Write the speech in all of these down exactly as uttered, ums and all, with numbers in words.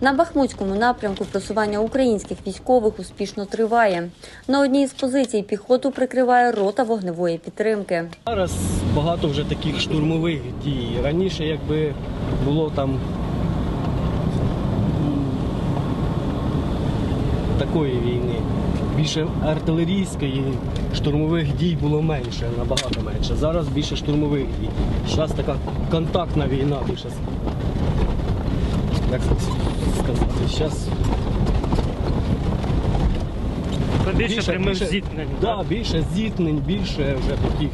На Бахмутському напрямку просування українських військових успішно триває. На одній із позицій піхоту прикриває рота вогневої підтримки. Зараз багато вже таких штурмових дій. Раніше, якби було там такої війни, більше артилерійської, штурмових дій було менше, набагато менше. Зараз більше штурмових дій. Зараз така контактна війна більше. Як сказати, зараз Більше прямих зіткнень. Да, більше зіткнень, більше вже таких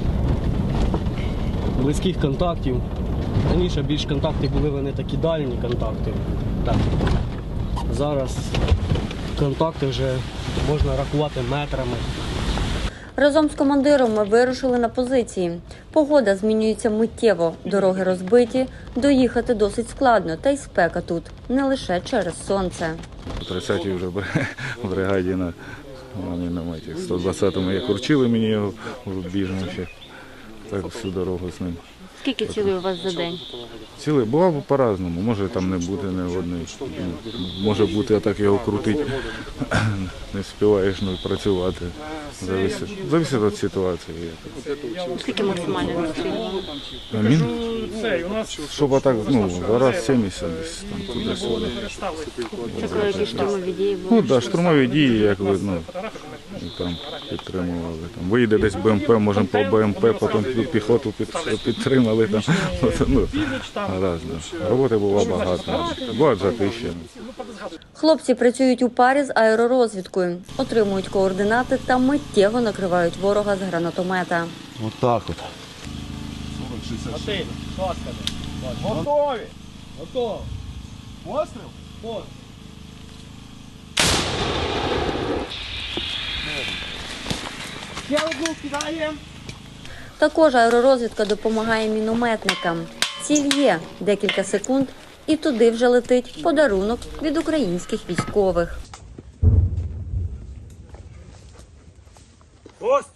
близьких контактів. Раніше більш контакти були вони такі дальні контакти. Так. Зараз контакти вже можна рахувати метрами. Разом з командиром ми вирушили на позиції. Погода змінюється миттєво, дороги розбиті, доїхати досить складно, та й спека тут, не лише через сонце. У тридцятій вже в бригаді на мінометі. сто двадцятому як урчили мені його біжно ще, так всю дорогу з ним. Скільки цілей у вас за день? Цілий бував по-разному, може там не бути ні одної, може бути, а так його крутить, не встигаєш ну, працювати. Зависить, зависить від ситуації. Скільки максимально відстрілювали? Мін? Щоб так, ну, зараз сімдесят десь там туди-сюди. Це коли якісь штурмові дії були? Ну так, да, штурмові дії, як видно, там підтримували. Там, вийде десь БМП, можемо по БМП, потім піхоту під, підтримали. Там. Ну, разно. Роботи було багато, бувають затищені. Хлопці працюють у парі з аеророзвідкою, отримують координати та миттєво накривають ворога з гранатомета. Вот так вот. Готові! Готові! Постріл? Постріл. Ще одну кидаємо. Також аеророзвідка допомагає мінометникам. Ціль є декілька секунд, і туди вже летить подарунок від українських військових. Ось!